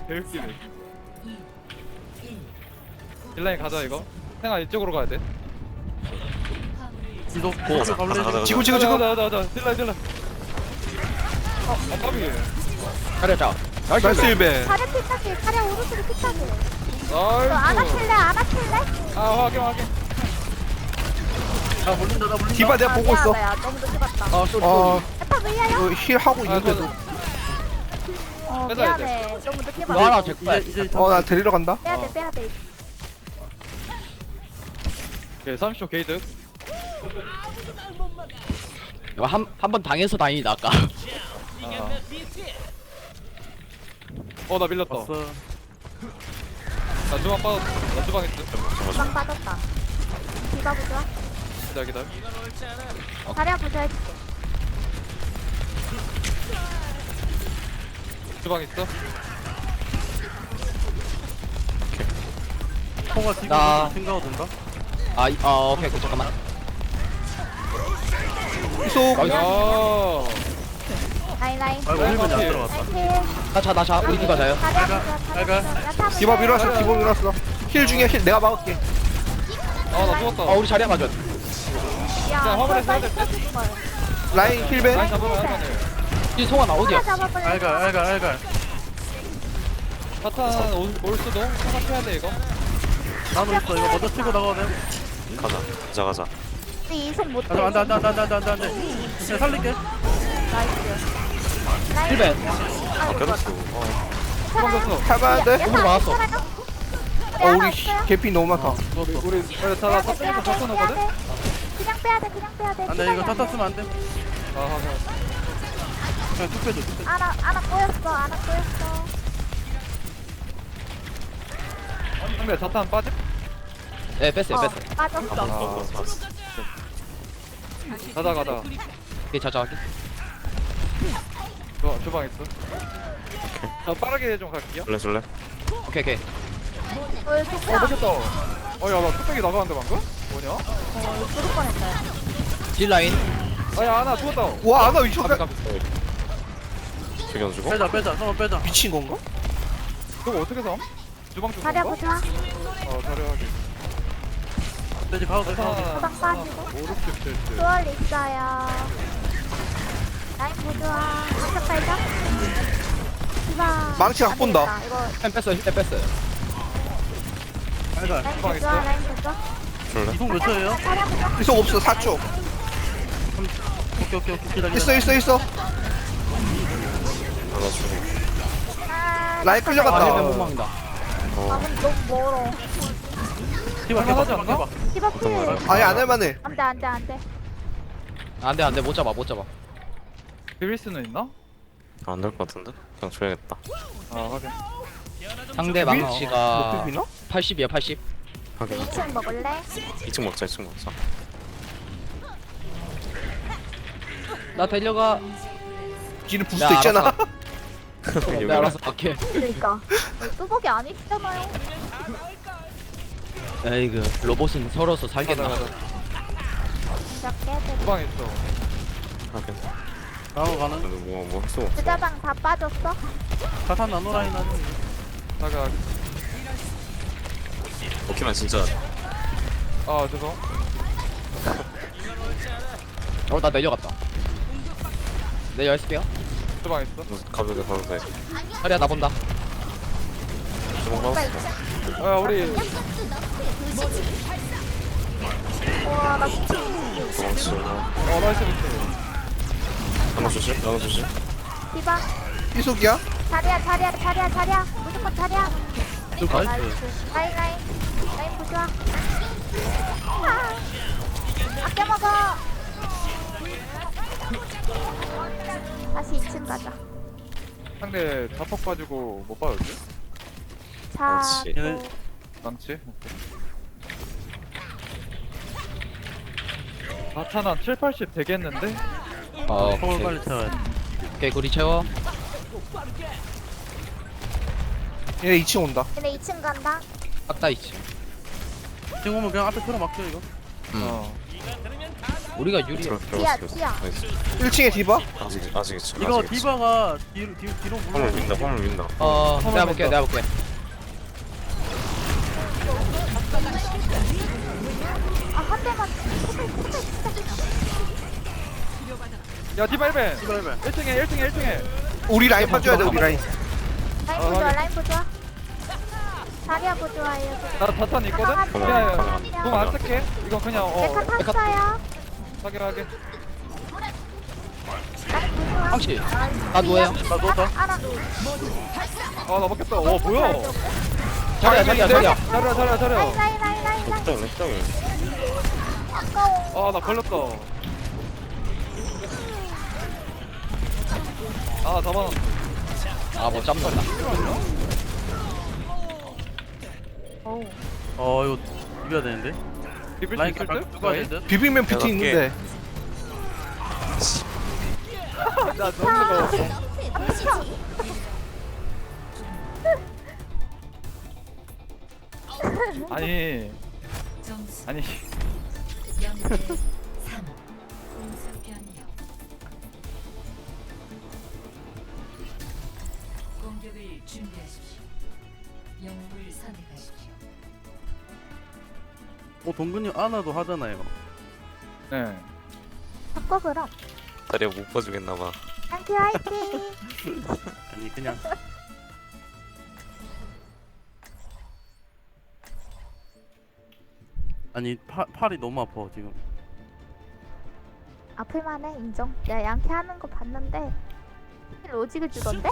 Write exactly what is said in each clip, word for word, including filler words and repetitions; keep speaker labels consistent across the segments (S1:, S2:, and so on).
S1: 개웃기네. 딜라인 가자 이거. 생아 이쪽으로 가야 돼.
S2: 지도
S3: 고 가자 가자 가자
S4: 지구 지구 지구.
S1: 가자 가자 가자. 딜라인 딜라인. 어, 아깝이.
S5: 가려자.
S4: 나이스 일배.
S6: 차례 피타기, 차례 오른쪽에 피타기. 너
S1: 나이스.
S6: 안아킬래? 안아킬래?
S1: 아 확인 확인.
S2: 나 물린다 나 물린다.
S4: 디바 내가
S6: 아,
S4: 보고 있어.
S6: 미안하다, 야. 너무 늦게 봤다.
S5: 아 쏘리
S4: 어,
S5: 쏘리.
S6: 에파 왜야요?
S4: 이거 힐 하고 있는데도.
S6: 어,
S1: 빼놔야
S6: 미안해. 너무 늦게
S5: 이거 하나
S6: 봤다.
S5: 제 거야.
S2: 이제 이제
S4: 어, 나 데리러 간다.
S6: 빼야 돼, 빼야 돼.
S1: 오케이 삼십 초 게이드.
S5: 이거 한한 번 당해서 다행이다 아까.
S1: 어나 밀렸다.
S2: 왔어.
S1: 나 주방 빠졌어. 나 주방 있어.
S6: 주방 빠졌다. 디바 부좋아.
S1: 기다려 기다려.
S6: 차례 부좋아 해줄게.
S1: 주방 있어.
S2: 통화 지금
S5: 나-
S2: 생각하던가?
S5: 아, 이- 어 오케이 오케이 잠깐만.
S4: 이속.
S5: 나이스.
S1: 야.
S6: 라인, 라인.
S2: 아이고
S1: 라인
S2: 일벤이 안
S1: 앞에.
S2: 들어갔다.
S6: 라인
S5: 나자 나자 우리 디바 자요.
S6: 차례 부좋아, 차례
S2: 알갈.
S6: 부좋아. 야타 부좋아.
S4: 디바 밀었어. 디바 밀었어. 힐 중에 힐 내가 막을게.
S1: 아나 죽었다.
S5: 아 우리 자리야 맞아.
S6: 야,
S1: 자, 화물에
S6: 그걸
S1: 써야
S6: 빨리
S1: 될 듯?
S6: 써줄 걸.
S4: 라인 힐배.
S1: 라인 잡으면 할만해.
S5: 이 송아 나 어디야?
S6: 하나 잡아볼래?
S2: 알갈 알갈 알갈.
S1: 사탄 올, 올 수도 생각해야 돼 이거.
S2: 나도 있어. 이거 먼저 치고 나가야 돼.
S3: 가자 가자 가자.
S6: 우리 이속 못해.
S2: 가자 안돼 안돼 안돼 안돼 안돼 안돼. 그냥 살릴게.
S6: 나이스. 라인.
S5: 힐벤.
S3: 아 껴졌어. 어.
S1: 도망갔어.
S4: 할만한데?
S5: 오늘 막았어.
S4: 어, 우리 씨, 개피 너무 많다.
S1: 우리 우리 우리 다 사탄에서 사탄 오거든.
S6: 그냥 빼야 돼, 그냥 빼야 돼.
S2: 안돼 이거 탔다 쓰면 안돼.
S1: 아 하하.
S2: 그냥 툭 빼줘 툭 빼줘.
S6: 아나, 아나 꼬였어, 아나 꼬였어.
S1: 상대 사탄 빠짐?
S5: 네 뺐어요
S6: 어,
S5: 뺐어.
S6: 빠졌어.
S3: 아 봤어.
S1: 가자 가자.
S5: 오케이 자자 할게.
S1: 주, 주방 있어. 자 빠르게 좀 갈게요.
S3: 줄래 줄래?
S5: 오케이 오케이.
S6: 어, 좋다.
S1: 어 먹겠다. 어야나 뚝배기 나가는데 방금? 뭐냐?
S6: 어, 죽을 뻔했어요.
S5: 딜 라인.
S1: 아야 하나 죽었다.
S4: 와, 아나 미쳤다.
S3: 죽여주고.
S2: 빼자 빼자 성원 빼자.
S4: 미친 건가?
S1: 저거 어떻게 삼? 주방 좀
S6: 자리야
S1: 건가?
S6: 부좋아.
S1: 어 자리하게.
S2: 돼지 가도 돼 가도 돼.
S6: 도박 빠지고.
S1: 오륙십 칠칠.
S6: 수월 있어요. 라인 부좋아. 한쪽 팔자. 디바.
S4: 망치 각
S6: 안
S4: 본다.
S6: 되겠다. 이거
S5: 힐 뺐어요 힐 뺐어요.
S2: 알갈.
S6: 라인
S1: 주방
S6: 부좋아,
S1: 있어?
S6: 라인 부좋아.
S3: 줄래?
S2: 이속 몇 초예요?
S6: 자리야 부좋아.
S4: 이속 없어. 사 초.
S2: 오케이 오케이 오케이 기다려.
S4: 있어 있어 있어.
S3: 하나 주고.
S6: 아,
S4: 라인
S5: 아
S4: 끌려갔다.
S5: 힐벤 못 막는다.
S6: 아,
S3: 어.
S6: 근데 너무 멀어.
S2: 디바
S1: 할만하지
S2: 디바
S1: 않나?
S2: 디바.
S6: 디바 필.
S3: 어떤
S4: 아니 안 할만해.
S6: 안 돼, 안 돼, 안 돼.
S5: 안돼 안돼 못 잡아 못 잡아.
S1: 비빌 수는 있나?
S3: 안될 것 같은데? 그냥 줘야겠다.
S1: 아 확인.
S5: 상대
S4: 못
S5: 망치가
S4: 비비나?
S5: 팔십이야 팔십.
S3: 확인.
S6: 이 층 먹을래?
S3: 이 층 먹자 이 층 먹자.
S5: 나 달려가.
S4: 뒤는 부스터
S5: 야,
S4: 있잖아.
S5: 알았어. 내가 알아서 갈게.
S6: 그러니까. 뚜벅이 아니잖아요.
S5: 에이그 로봇은 서러서
S1: 가자
S5: 살겠나.
S1: 가자.
S6: 진짜 깨져.
S1: 주방 있어.
S3: 확인.
S2: 나도 가는.
S3: 근데 뭐뭐 했어?
S6: 부자방 다 빠졌어?
S2: 자탄 나노라인 하는.
S1: 가자 가자.
S3: 오키만 진짜.
S1: 아 죄송.
S5: 어나 내려갔다. 내 열쇠요?
S1: 주방 있어.
S3: 가도 돼 가도 돼.
S5: 자리야 나 본다.
S3: 주먹 받았어.
S1: 아 우리
S6: 우와, 나 진짜.
S3: 도망치고.
S1: 어 나이스 비트.
S3: 나눠 주실? 나눠 주실?
S6: 디바.
S4: 이속이야?
S6: 자리야, 자리야, 자리야, 자리야. 무조건 자리야.
S2: 좀
S6: 나이스.
S2: 나이스.
S6: 라인, 라인. 라인 부좋아. 아, 아껴 먹어. 다시 이 층 가자.
S1: 상대 자폭 빠지고 못 받았지?
S6: 자,
S3: 그렇지.
S6: 또.
S1: 망치? 오케이. 나타나 칠, 팔십 되겠는데?
S5: 어
S2: 성원
S5: 오케이.
S2: 빨리 채워야 돼.
S5: 오케이 구리 채워.
S4: 얘네 이 층 온다.
S6: 얘네 이 층 간다.
S5: 딱다 있지.
S2: 지금 오면 그냥 앞에 틀어 막혀 이거.
S5: 음.
S1: 어.
S5: 우리가 유리해.
S3: 들어
S6: 티야,
S3: 들어갔어.
S6: 티야.
S3: 나이스.
S4: 일 층에 디바?
S3: 아직 아직 있어.
S2: 이거
S3: 아직 있어.
S2: 디바가 뒤로 뒤로 뒤로 물러.
S3: 화물 민다. 화물 민다.
S5: 어,
S4: 화물
S5: 내가 볼게,
S4: 낸다.
S5: 내가 볼게.
S6: 아, 한 대만.
S1: 야 디바 일벤
S2: 디바 힐벤.
S1: 일 층에 일 층에 일 층에
S4: 우리 라인 봐줘야 돼 우리 라인.
S6: 라인
S1: 어,
S6: 보조아,
S1: 확인.
S6: 라인 보조아. 자리야 보조아예요.
S1: 나 자탄 있거든?
S6: 가자,
S1: 야야
S6: 가자.
S1: 공안 쓸게 이거 그냥 어
S6: 메카 탔어요.
S1: 확인하게
S6: 라인 보조아.
S5: 황씨, 나 누워요.
S2: 나 누웠다.
S6: 알아.
S1: 아나 먹겠다 어 뭐야
S5: 자리야, 자리야, 자리야.
S1: 자리야 자리야 자리야
S6: 라인, 라인, 라인, 라인, 라인.
S3: 렉장 렉장이.
S6: 아까워.
S1: 아나 걸렸다 아 잡아놨어
S5: 아, 뭐 짬났다.
S6: 어우.
S2: 어 이거 이겨야 되는데.
S1: 비빌 수
S2: 라인
S1: 있을 듯?
S2: 누가 될 듯?
S4: 비빔면 뷰티
S3: 내가
S4: 있는데.
S1: 나 너무 뜨거워 아니
S7: 점수
S1: 아니
S7: 영 대 삼. 공수 변경. 공격을 준비하십시오. 영웅을 선택하십시오.
S2: 어 동근이 아나도 하잖아요.
S1: 네
S6: 바꿔 그럼.
S3: 다리가 못 봐주겠나봐.
S6: 안티 화이팅.
S2: 아니 그냥. 아니 파, 팔이 너무 아파 지금.
S6: 아플만해 인정. 야 양캐 하는 거 봤는데 로직을 주던데?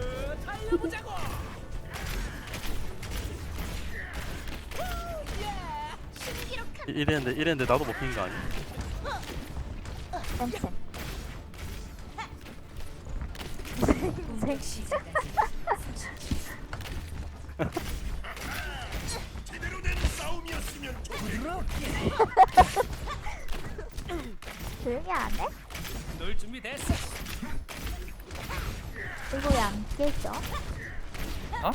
S2: 이- 이랬는데 이랬는데 나도 먹힌 거 아니야?
S6: 쌤쌤.
S7: 공격 시작까지
S6: 조용히 안 해? 널 준비됐어. 이거 왜 안 깨져?
S1: 어?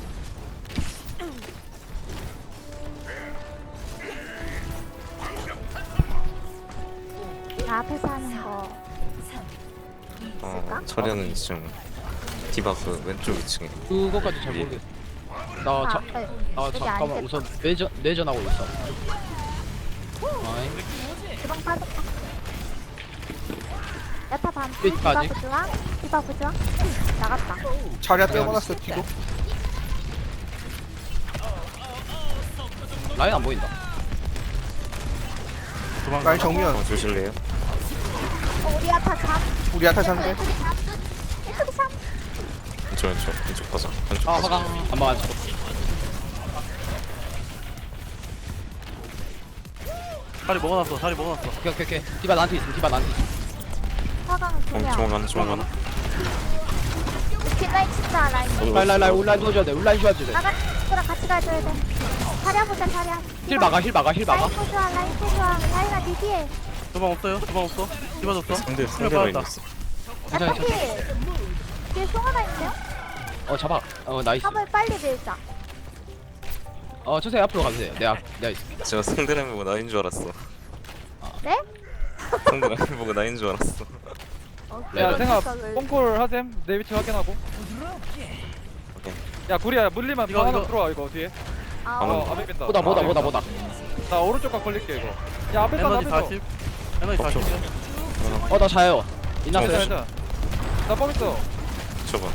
S6: 나 앞에서 하는 거
S3: 어 처리하는 이 층. 디바 그 왼쪽 이 층에.
S5: 그거까지 잘 모르겠어. 나,
S6: 아,
S5: 자,
S6: 앞에
S5: 아,
S6: 여기
S5: 잠깐만.
S6: 아니겠다.
S5: 우선 내전, 내전하고 있어. 아이,
S6: 주방 빠졌다. 야타 반.
S5: 끝까지?
S6: 디바 부좋아. 디바 부좋아. 나갔다.
S4: 자리야 떼어놨어 뒤로.
S5: 라인 안 보인다.
S2: 도망가.
S4: 라인 정면.
S3: 어 주실래요?
S6: 어, 우리 야타 잠.
S4: 우리 아타 상대.
S6: 이쪽이 잠. 이쪽이 잠.
S3: 왼쪽 왼쪽 왼쪽 가자. 왼쪽
S5: 아,
S3: 가자.
S5: 화강. 안 막았어.
S2: 다리 먹어놨어. 다리 먹어놨어.
S5: 오케이, 오케이, 오케이. 디바 나한테 있음, 디바 나한테 있음.
S6: 화강 두
S3: 어,
S6: 명.
S3: 조만간 조만간.
S6: 뒷라인 친다 라인.
S5: 라인, 라인, 라인, 온라인 도와줘야 돼, 온라인 도와줘야 돼.
S6: 나가. 친구랑 같이 가줘야 돼. 자리야 보자 자리야.
S5: 힐 막아, 힐 막아, 힐 막아.
S6: 라인 보좋아 라인 보좋아. 라인아 니 뒤에.
S2: 도망 없어요? 도망 없어? 디바 줬어?
S3: 상대 상대
S2: 그래,
S3: 라인
S2: 받았다.
S3: 있어.
S5: 괜찮아,
S6: 야타
S5: 괜찮아.
S6: 뒤에. 뒤에 송 하나 있네요.
S5: 어, 잡아. 어, 나이스.
S6: 화물 빨리 밀자.
S5: 어, 천천히 앞으로 가주세요. 내가, 내가 있을게.
S3: 제가 상대 라인 보고 나인 줄 알았어.
S6: 네?
S3: 상대 라인 보고 나인 줄 알았어.
S6: 어,
S5: 야,
S6: 그런
S1: 생각
S6: 생각을.
S1: 뽕콜 하셈 내 위치 확인하고 야 구리야 물리면
S2: 이거,
S1: 방 하나
S2: 이거.
S1: 들어와 이거 뒤에
S6: 아,
S3: 어,
S1: 어
S6: 어.
S1: 앞에 빈다
S5: 보다, 보다, 보다, 보다.
S1: 나 오른쪽 각 걸릴게 이거 야 앞에 다
S2: 에너지
S1: 앞에서
S2: 사십. 에너지 사십이야.
S5: 어, 나 자요.
S1: 괜찮아
S5: 인났어요.
S1: 괜찮아 나뻥 있어
S3: 저봐.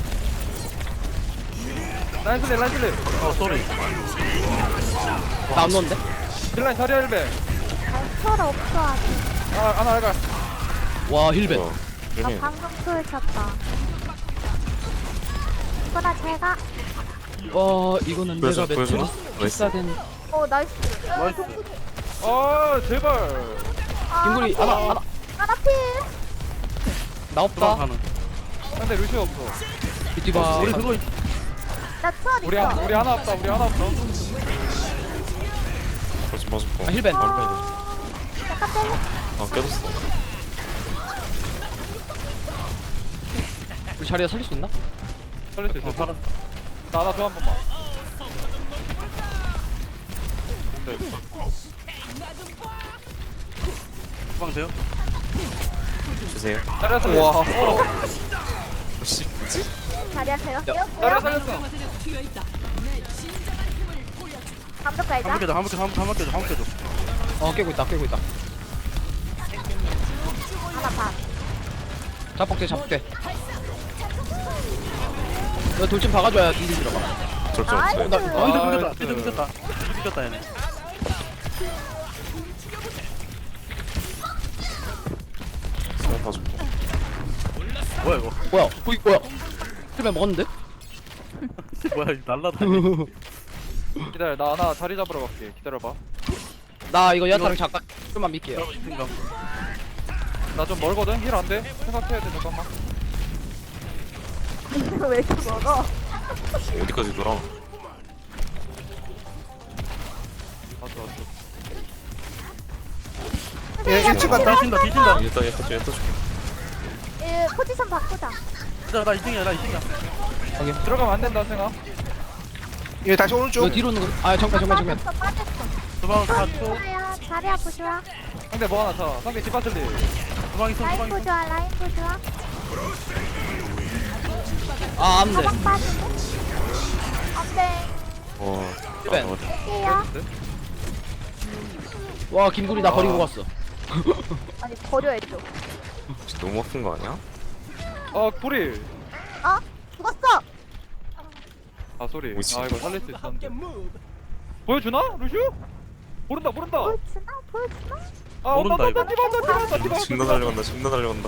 S1: 라인 슬립 라인 슬립
S2: 어 쏘리.
S5: 나 안 놓는데?
S1: 딜라인 자리야 일배
S6: 철 없어 아직.
S1: 아 하나 알가
S5: 와, 힐벤.
S3: 어.
S6: 나
S3: 여기
S6: 방금 풀 쳤다. 이거나 제가.
S5: 와, 이거는
S3: 보여줘,
S5: 내가
S3: 보여줘.
S5: 매트리스
S3: 나이스.
S5: 비싸된.
S6: 오 나이스.
S2: 나이스.
S1: 아 제발
S6: 아,
S5: 김구리,
S6: 나
S5: 하나,
S6: 필.
S5: 하나.
S6: 하나 필.
S5: 나
S2: 도망
S5: 없다.
S2: 가는.
S1: 근데 루시오 없어
S5: 디바.
S2: 우리 그거 있-
S6: 나 철
S1: 우리
S6: 있어.
S1: 하, 우리 하나 없다 우리 하나 없어
S3: 벌써 맞았고.
S5: 아, 힐벤.
S6: 어, 약간 때려.
S3: 아 깨졌어.
S5: 우리 자리에 살릴 수 있나?
S1: 살릴 수 있어
S2: 어 살았어.
S1: 나 하나 더 한 번만
S2: 주방 돼요?
S3: 주세요.
S1: 잘했어.
S4: 와.
S3: 혹시 뭐지?
S6: 자리하세요.
S1: 잘했어,
S6: 뛰었어요.
S1: 잘했어.
S6: 감독 갈자.
S2: 한번 깨줘, 한번 깨줘, 한번 깨줘, 한번 깨줘.
S5: 어 깨고 있다 깨고 있다.
S6: 하나 반.
S5: 자폭대 자폭대. 너 돌진 박아줘야 딜이 들어가.
S3: 절정
S6: 나이스.
S3: 없어요.
S2: 어, 근데
S1: 아,
S2: 끊겼다,
S1: 나이스.
S2: 근데 끊겼다. 끊겼다, 얘네.
S3: 수면 봐줘.
S2: 뭐야, 이거?
S5: 뭐야? 거기 뭐야? 틀면 먹었는데?
S2: 뭐야, 이거 날라다니.
S1: 기다려, 나 하나 자리 잡으러 갈게. 기다려봐.
S5: 나 이거 야타랑 잠깐 좀만 믿게요.
S2: 생각.
S1: 나 좀 멀거든? 힐 안 돼? 생각해야 돼, 잠깐만.
S6: 왜 이렇게 먹어?
S3: 어디까지 돌아?
S1: 왔어, 왔어.
S4: 얘 일 층 간다.
S2: 뒤진다, 뒤진다.
S3: 일단 일단 좀 일단 좀.
S6: 예, 포지션 바꾸자.
S2: 나, 나 이 등이야, 나 이 등이야.
S1: 들어가면 안 된다, 생각.
S4: 얘 다시
S5: 너
S4: 오른쪽.
S5: 뒤로 오는 거. 아 정면 정면 정면.
S6: 빠졌어, 빠졌어.
S2: 주방 사 초.
S6: 좋아요. 자리 아프 좋아.
S1: 상대 뭐 하나 차. 상대 디바슬리.
S2: 주방 있어,
S6: 라인
S2: 주방
S6: 보
S2: 있어.
S6: 좋아, 라인 보 좋아.
S5: 아 안돼.
S6: 가방 빠지고. 안돼.
S3: 와.
S5: 힐벤.
S3: 아, 어디?
S6: 할게요.
S5: 와 김구리 나 버리고 갔어.
S6: 아니 버려야죠.
S3: 혹시 너무 아픈 거 아니야?
S1: 어, 불이.
S6: 어? 죽었어.
S1: 아, 소리.
S3: 뭐지?
S1: 아, 이거 살릴 수 있었는데. 보여주나? 루슈? 모른다, 모른다.
S6: 보여주나? 보여주나?
S1: 아,
S2: 모른다,
S1: 온다, 온다,
S2: 이거.
S1: 디바, 온다, 디바, 온다, 디바.
S3: 존나 달려간다. 존나 달려간다.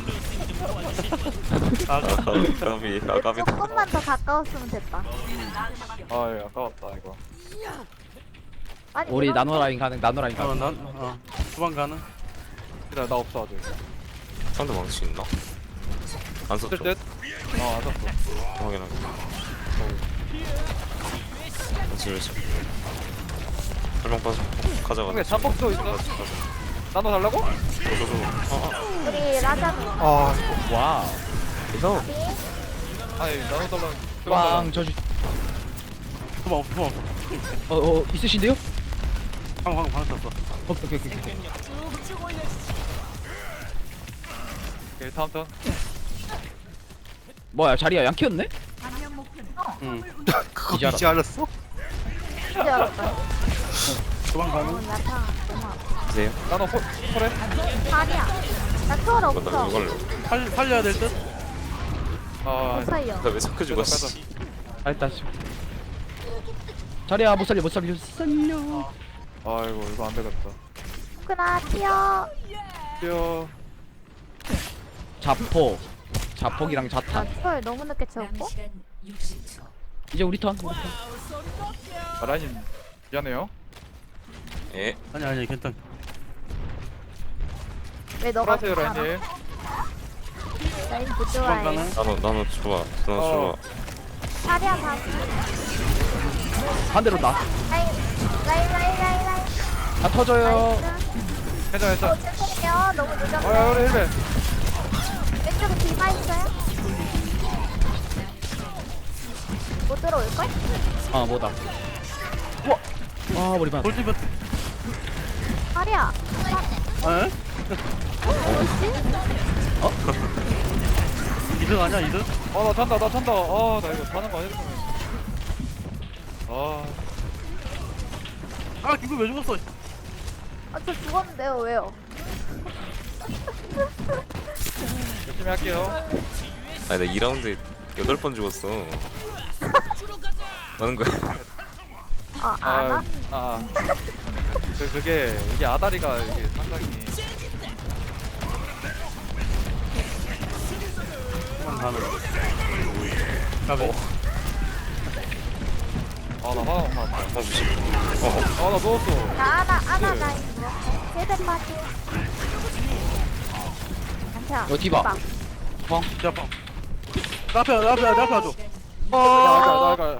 S2: 아,
S3: 아 까비. 아 까비.
S6: 조금만 더 가까웠으면 됐다.
S1: 아, 예, 아까웠다, 이거.
S6: 아니,
S5: 우리
S6: 이런-
S5: 나노 라인 가능 나노 라인
S2: 어,
S5: 가능.
S2: 난, 어. 주방 가는.
S1: 기다려, 나 없어, 아직.
S3: 상대 망치 있나? 안 썼죠?
S1: 쓸 듯? 어, 안 샀어.
S3: 확인하게. 그렇지 그렇지. 설명 빠져. 가져가.
S1: 상대 잡복도 있어. 나눠 달라고?
S3: 저저저. 아
S6: 우리 라자는
S4: 아,
S5: 와.
S3: 이거.
S1: 아니, 나눠 달라고.
S5: 왕 저주.
S2: 주방 없어, 주방 없어.
S5: 어어 있으신데요?
S2: 방, 방, 방 쳤어.
S5: 오케이 오케이 오케이. 오케이.
S1: 오케이, 다음 턴.
S5: 뭐야 자리야 양키였네?
S2: 응.
S4: 그거
S5: 이제
S4: 이제 알았어?
S6: 이제 알았다.
S2: 주방
S6: 어,
S2: 가는.
S6: 나타 너무 아파.
S3: 보세요.
S1: 나눠 호, 호래?
S6: 다리야. 나 초월
S3: 이거
S6: 없어.
S3: 나 이걸.
S2: 살, 살려야 될 듯?
S1: 아,
S6: 못 살려.
S3: 나왜 자꾸 죽어?
S1: 가자,
S3: 씨.
S5: 아 일단 씨. 자리야 못 살려 못 살려 살려.
S1: 아이고, 이거 안 되겠다.
S6: 그나 튀어.
S1: 뛰어.
S5: 자포. 자폭이랑
S6: 나
S5: 자탄.
S6: 초월 너무 늦게
S7: 남은
S6: 채웠고.
S7: 시간 육십 초.
S5: 이제 우리 턴.
S1: 아, 라인님, 미안해요.
S3: 예.
S2: 아니, 아니, 괜찮.
S6: 왜 너가
S1: 돌아세요, 라인님.
S6: 라인 못
S2: 주방
S6: 좋아해.
S2: 가는.
S3: 나도 나도 좋아. 나도
S1: 어.
S3: 좋아.
S6: 다리야 봐.
S5: 반대로 나.
S6: 라인 라인 라인 라인 라인.
S5: 다 터져요.
S6: 나이스.
S1: 괜찮아,
S6: 어
S1: 괜찮아.
S6: 죄송해요. 너무
S1: 아,
S6: 늦었네.
S1: 우리 힐벤.
S6: 왼쪽에 디바 있어요? 못 들어올걸?
S5: 아 뭐다. 우와. 아 머리 반.
S2: 돌집은,
S6: 다리야.
S2: 에? 어? 이등 아니야, 이등?
S1: 아, 나 찬다, 나 찬다. 아, 나 이거 자는 거 아니야? 아,
S2: 아, 기분 왜 죽었어?
S6: 아, 저 죽었는데요. 왜요?
S1: 열심히 할게요.
S3: 아니 나 이 라운드에 여덟 번 죽었어. 하는 거야?
S6: 아, 안
S1: 아,
S6: 와?
S1: 아. 그, 그게, 이게 아다리가 이게 상당히.
S2: 주방 가는. 가베.
S1: 아, 나 화나, 화나.
S3: 아 무시.
S1: 아, 나 누웠어.
S6: 나 하나, 하나 나 있어. 세대 빠지. 안태야.
S5: 어, 디바.
S2: 야, 방. 나 앞에, 나 앞에, 나 앞에 와줘.
S1: 나, 나, 나, 나.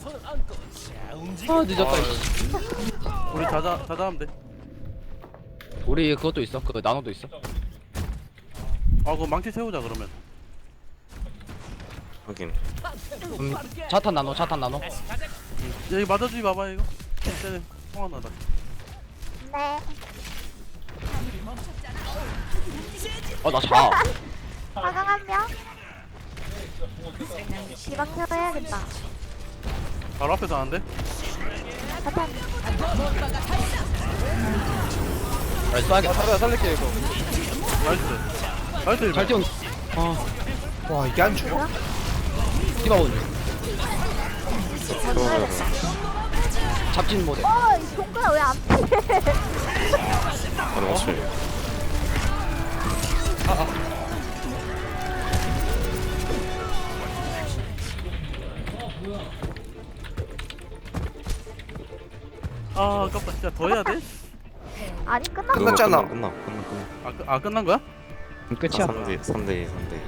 S5: 아 늦었다.
S1: 아,
S5: 이씨.
S2: 우리 자자, 자자 하면 돼.
S5: 우리 그것도 있어. 그 나노도 있어.
S2: 아, 그거 망치 세우자, 그러면.
S3: 확인.
S5: 음, 자탄 나노 자탄 나노.
S2: 여기 맞아주지 마봐, 이거. 쟤네 통화나다.
S6: 네.
S5: 어나 자.
S6: 화강 한 명. 디바 켜야겠다.
S2: 바로 앞에서 하는데?
S6: 자탄.
S5: 나이스
S1: 아
S5: 쏴야겠다.
S1: 자리야 살릴게 이거.
S2: 나이스 나이스
S5: 잘 뛰어. 아
S4: 와 이게 안 죽어?
S5: 디바 오는 중.
S3: 그러면
S5: 잡진 못해.
S6: 어, 이 동그라 왜안 피해?
S3: 바로 맞춰요.
S2: 아 아깝다 진짜 더 해야 돼?
S6: 아니 끝났어.
S4: 끝났잖아.
S3: 끝나 끝나 끝나 끝나.
S2: 아, 끝- 아 끝난 거야?
S5: 끝이야.
S3: 삼 대 삼 대 이 삼 대 이.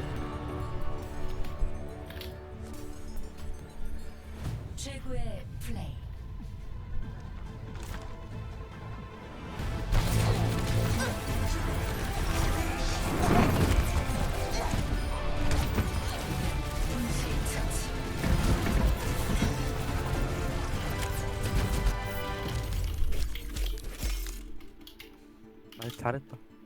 S7: 최고의 플레이.
S2: 아 잘했다